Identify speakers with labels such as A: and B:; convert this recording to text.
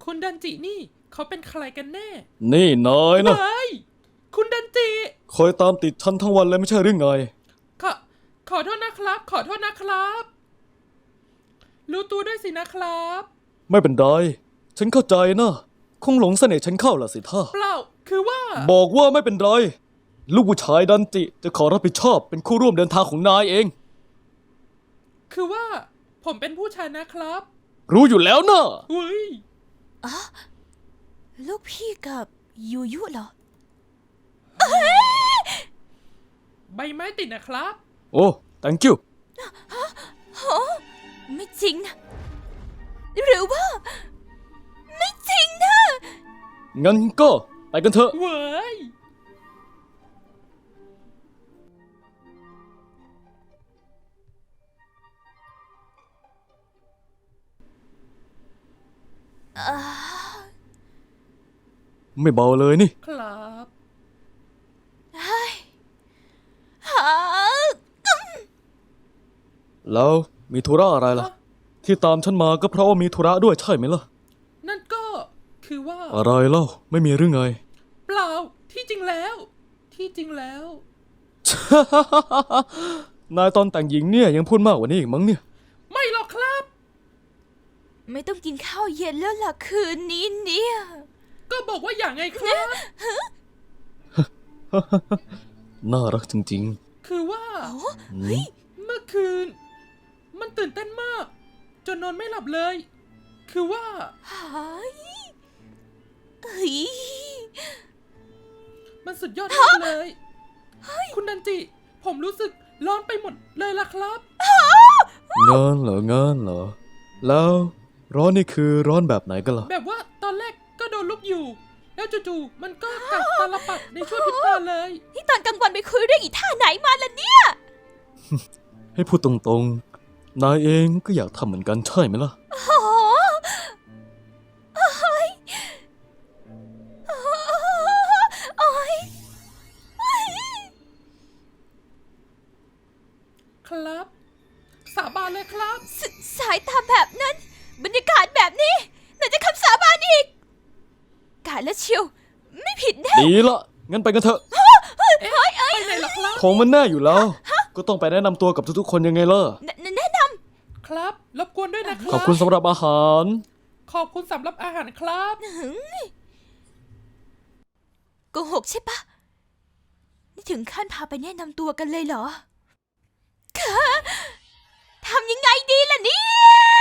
A: คุณดันจินี่เขาเป็นใครกันแน่
B: นี่นายนะ
A: เฮ้ยคุณดันจิ
B: คอยตามติดฉันทั้งวันเลยไม่ใช่หรือไง
A: ขอโทษนะครับ ขอโทษนะครับ รู้ตัวด้วยสินะครับ
B: ไม่เป็นไรฉันเข้าใจนะคงหลงเสน่ห์ฉันเข้าล่ะสิท่า
A: เปล่าคือว่า
B: บอกว่าไม่เป็นไรลูกผู้ชายดันจิจะขอรับผิดชอบเป็นคู่ร่วมเดินทางของนายเอง
A: คือว่า ผมเป็นผู้ชายนะครับ
B: รู้อยู่แล้วนะ
A: อุ้ย
C: ลูกพี่กับยูยุเหรอ
A: ใบไม้ติดนะครับ
B: โอ้ thank you
C: ไม่จริงนะหรือว่า ไม่จริงนะ
B: งั้นก็ไปกันเถอะ
A: เว้ย
B: ไม่เบาเลยนี่
A: ครับ
C: หา
B: แล้วมีธุระอะไรล่ะ ที่ตามฉันมาก็เพราะว่ามีธุระด้วยใช่ไหมล่ะ
A: นั่นก็คือว่า
B: อะไรเล่าไม่มีหรือไง
A: เปล่าที่จริงแล้ว
B: นายตอนแต่งหญิงเนี่ยยังพูดมากกว่านี้อีกมั้งเนี่ย
A: ไม่หรอกครับ
C: ไม่ต้องกินข้าวเย็นแล้วล่ะคืนนี้เนี่ย
A: ก็บอกว่าอย่างไงครับ
B: น่ารักจริง
A: คือว่า
B: ๆ
A: เมื่อคืน มันตื่นเต้นมาก จนนอนไม่หลับเลย คือว่า
C: หายเฮ้ย
A: มันสุดยอดมากเลย คุณดันจิ ผมรู้สึกร้อนไปหมดเลยล่ะครับ
B: งานเหรองานเหรอ แล้วร้อนนี่คือร้อนแบบไหนกันล่ะ
A: แบบว่าตอนแรกก็โดนลุกอยู่ แล้วจู่ๆมันก็กัดตาลปัดในช่วงพริบตาเลย
C: นี่ตอนกลางวันไปคุยเรื่องอีท่าไหนมาล่ะเนี่ย
B: ให้พูดตรงๆ นายเองก็อยากทำเหมือนกันใช่ไหมล่ะ
C: โอ้โหโอ้ยโอ้ย
A: ครับ สาบานเลยครับ
C: สายตาแบบนั้น บรรยากาศแบบนี้ไหนจะคำสาบานอีก กาและเชียว ไม่ผิดแน่
B: ดีละ งั้นไปกันเถอะ
A: ไปไหนล่ะครับ
B: ของมันแน่อยู่แล้ว ก็ต้องไปแนะนำตัวกับทุกๆคนยังไงล่ะ
C: แนะน
A: ครับ รบกวนด้วยนะค
B: ข
A: รั
B: อบคุณสำหรับอาหาร
A: ขอบคุณสำหรับอาหารครับ
C: ำโกหกใช่ปะนี่ถึงขั้นพาไปแนะนำตัวกันเลยเหรอคะทำยังไงดีล่ะเนี่ย